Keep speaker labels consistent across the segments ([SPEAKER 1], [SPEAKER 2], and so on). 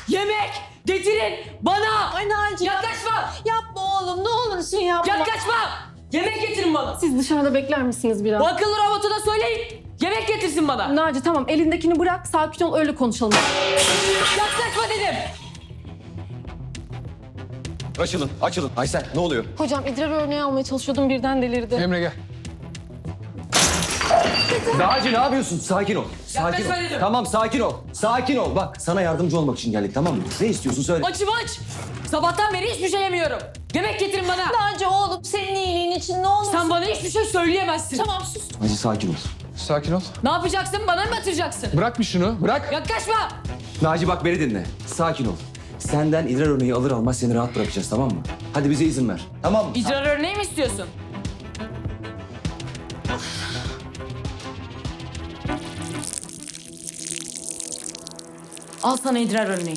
[SPEAKER 1] Yemek getirin bana.
[SPEAKER 2] Ay Naci.
[SPEAKER 1] Yaklaşma.
[SPEAKER 2] Yapma oğlum, ne olursun yapma.
[SPEAKER 1] Yaklaşma. Yemek getirin bana.
[SPEAKER 3] Siz dışarıda bekler misiniz biraz?
[SPEAKER 1] Bu akıllı robotuna söyleyin. Yemek getirsin bana.
[SPEAKER 3] Naci tamam, elindekini bırak, sakin ol, öyle konuşalım.
[SPEAKER 1] Yaklaşma dedim.
[SPEAKER 4] Açılın, açılın. Aysel, ne oluyor?
[SPEAKER 3] Hocam idrar örneği almaya çalışıyordum, birden delirdi.
[SPEAKER 5] Emre gel.
[SPEAKER 4] Naci ne yapıyorsun? Sakin ol. Sakin ol.
[SPEAKER 1] Yaklaşma dedim.
[SPEAKER 4] Tamam, sakin ol. Sakin ol. Bak, sana yardımcı olmak için geldik, tamam mı? Ne istiyorsun söyle.
[SPEAKER 1] Açım aç. Sabahtan beri hiçbir şey yemiyorum. Yemek getirin bana.
[SPEAKER 2] Naci oğlum, senin iyiliğin için ne olur.
[SPEAKER 1] Sen bana hiçbir şey söyleyemezsin.
[SPEAKER 2] Tamam sus.
[SPEAKER 4] Naci sakin ol.
[SPEAKER 5] Sakin ol.
[SPEAKER 1] Ne yapacaksın? Bana mı atıracaksın?
[SPEAKER 5] Bırak bir şunu, bırak.
[SPEAKER 1] Yaklaşma.
[SPEAKER 4] Naci bak beni dinle. Sakin ol. Senden idrar örneği alır almaz seni rahat bırakacağız, tamam mı? Hadi bize izin ver. Tamam mı?
[SPEAKER 1] İdrar örneği mi istiyorsun? Al sana idrar örneği.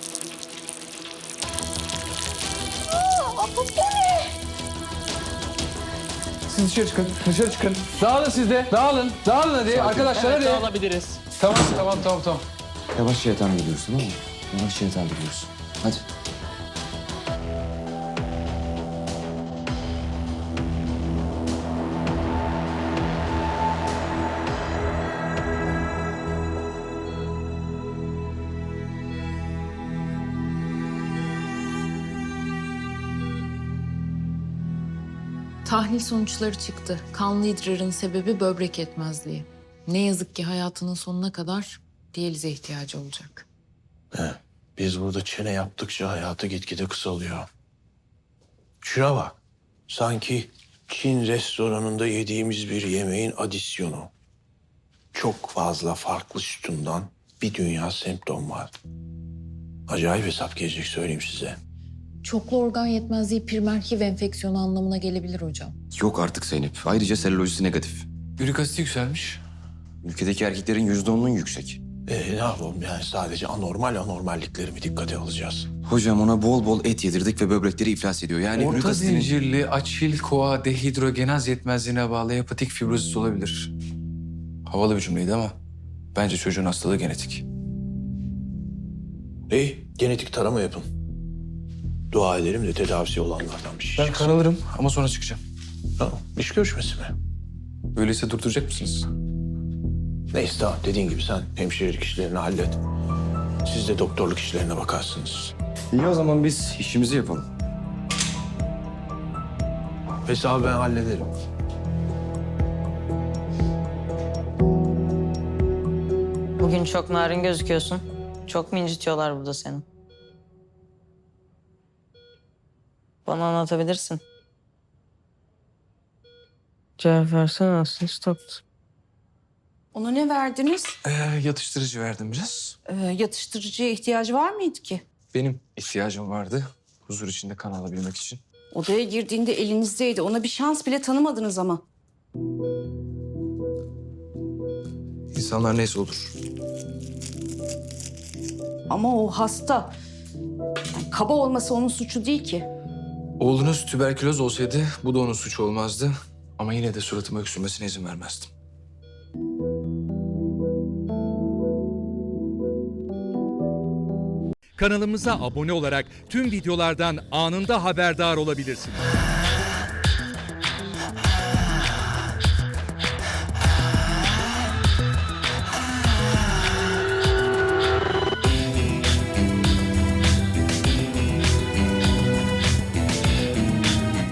[SPEAKER 5] Siz dışarı çıkın, dışarı çıkın. Dağılın siz de, dağılın. Dağılın hadi arkadaşlar hadi.
[SPEAKER 6] Alabiliriz.
[SPEAKER 5] Tamam.
[SPEAKER 4] Yavaşça yatağa gidiyoruz, tamam mı? Yavaşça yatağa gidiyoruz. Hadi.
[SPEAKER 7] Tahlil sonuçları çıktı. Kanlı idrarın sebebi böbrek yetmezliği. Ne yazık ki hayatının sonuna kadar diyalize ihtiyacı olacak.
[SPEAKER 6] Biz burada çene yaptıkça hayatı gitgide kısalıyor. Şuna bak. Sanki Çin restoranında yediğimiz bir yemeğin adisyonu. Çok fazla farklı sütundan bir dünya semptom var. Acayip hesap gelecek söyleyeyim size.
[SPEAKER 7] Çoklu organ yetmezliği primer HIV enfeksiyonu anlamına gelebilir hocam.
[SPEAKER 4] Yok artık Zeynep. Ayrıca selülojisi negatif.
[SPEAKER 5] Ürik asiti yükselmiş.
[SPEAKER 4] Ülkedeki erkeklerin %10'unun yüksek.
[SPEAKER 6] Ne yapalım yani sadece anormalliklerimi dikkate alacağız.
[SPEAKER 4] Hocam ona bol bol et yedirdik ve böbrekleri iflas ediyor. Yani ürik
[SPEAKER 5] Orta
[SPEAKER 4] asitinin-
[SPEAKER 5] zincirli açil koa dehidrogenaz yetmezliğine bağlı hepatik fibrozis olabilir. Havalı bir cümleydi ama bence çocuğun hastalığı genetik.
[SPEAKER 6] İyi, genetik tarama yapın. Dua edelim de tedavisi olanlardan bir şey
[SPEAKER 5] Ben
[SPEAKER 6] çıksın.
[SPEAKER 5] kan alırım ama sonra çıkacağım.
[SPEAKER 6] Tamam, iş görüşmesi mi?
[SPEAKER 5] Öyleyse durduracak mısınız?
[SPEAKER 6] Neyse tamam, dediğin gibi sen hemşirelik işlerini hallet. Siz de doktorluk işlerine bakarsınız.
[SPEAKER 4] İyi o zaman biz işimizi yapalım.
[SPEAKER 6] Hesabı ben hallederim.
[SPEAKER 8] Bugün çok narin gözüküyorsun. Çok mu incitiyorlar burada seni? Bana anlatabilirsin. Cevap versene aslında stoptu.
[SPEAKER 2] Ona ne verdiniz?
[SPEAKER 5] Yatıştırıcı verdim biraz.
[SPEAKER 2] Yatıştırıcıya ihtiyacı var mıydı ki?
[SPEAKER 5] Benim ihtiyacım vardı. Huzur içinde kan alabilmek için.
[SPEAKER 2] Odaya girdiğinde elinizdeydi. Ona bir şans bile tanımadınız ama.
[SPEAKER 5] İnsanlar neyse olur.
[SPEAKER 2] Ama o hasta. Yani kaba olması onun suçu değil ki.
[SPEAKER 5] Oğlunuz tüberküloz olsaydı bu da onun suçu olmazdı. Ama yine de suratıma öksürmesine izin vermezdim.
[SPEAKER 9] Kanalımıza abone olarak tüm videolardan anında haberdar olabilirsiniz.